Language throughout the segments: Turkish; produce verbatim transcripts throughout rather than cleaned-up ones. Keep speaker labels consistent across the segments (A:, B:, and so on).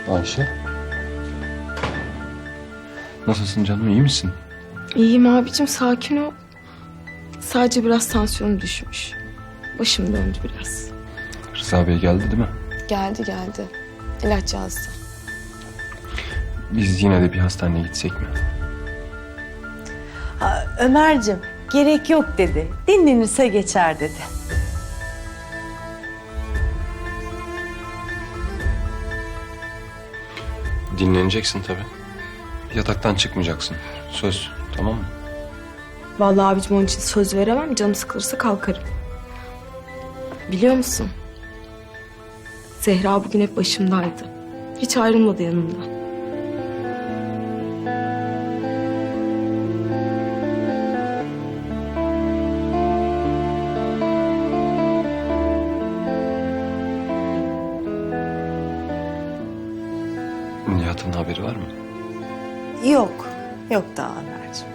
A: Ayşe. Nasılsın canım, iyi misin?
B: İyiyim abicim, sakin ol. Sadece biraz tansiyonum düşmüş. Başım döndü biraz.
A: Rıza Bey geldi değil mi?
B: Geldi geldi. İlaç yazdı.
A: Biz yine de bir hastaneye gitsek mi?
C: Ha, Ömer'cim gerek yok dedi. Dinlenirse geçer dedi.
A: Dinleneceksin tabii. Yataktan çıkmayacaksın. Söz, tamam mı?
B: Vallahi abicim onun için söz veremem. Canım sıkılırsa kalkarım. Biliyor musun? Zehra bugün hep başımdaydı. Hiç ayrılmadı yanımdan.
A: Nihat'ın haberi var mı?
C: Yok. Yok daha Ömer'cim.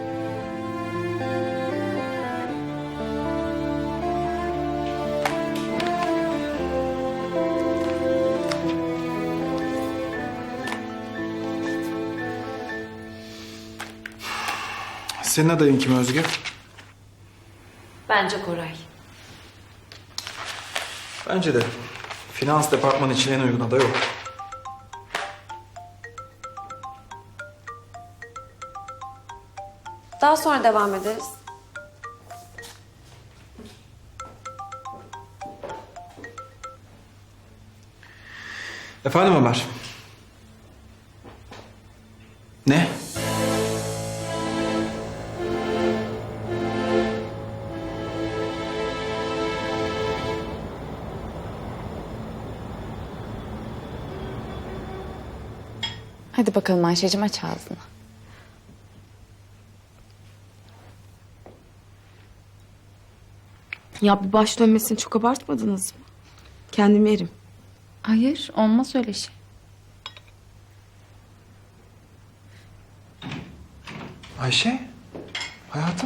D: Senin adayın kim Özge?
C: Bence Koray.
D: Bence de. Finans departmanı için en uygun aday o.
E: Daha sonra devam ederiz.
D: Efendim Ömer? Ne?
F: Hadi bakalım Ayşe'cim, aç ağzını.
B: Ya bir baş dönmesini çok abartmadınız mı? Kendimi yerim.
F: Hayır, olmaz öyle şey.
D: Ayşe? Hayatım?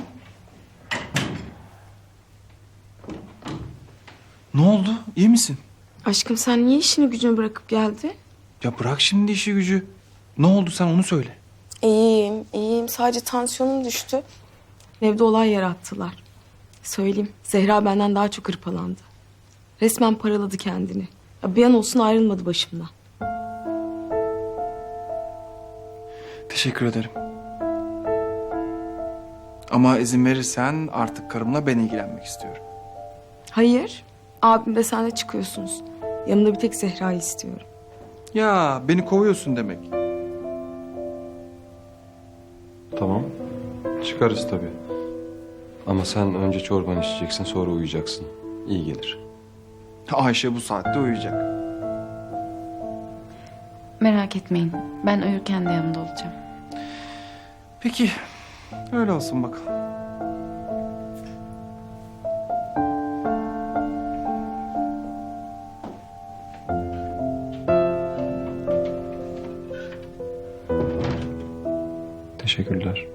D: Ne oldu? İyi misin?
B: Aşkım sen niye işini gücünü bırakıp geldin?
D: Ya bırak şimdi işi gücü. Ne oldu sen onu söyle.
B: İyiyim, iyiyim. Sadece tansiyonum düştü. Evde olay yarattılar. Söyleyeyim, Zehra benden daha çok hırpalandı. Resmen paraladı kendini. Ya bir an olsun ayrılmadı başımdan.
D: Teşekkür ederim. Ama izin verirsen artık karımla ben ilgilenmek istiyorum.
B: Hayır, abim de sen de çıkıyorsunuz. Yanımda bir tek Zehra'yı istiyorum.
D: Ya beni kovuyorsun demek.
A: Tamam. Çıkarız tabii. Ama sen önce çorbanı içeceksin, sonra uyuyacaksın. İyi gelir.
D: Ayşe bu saatte uyuyacak.
F: Merak etmeyin, ben uyurken de yanında olacağım.
D: Peki öyle olsun bakalım.
A: Teşekkürler.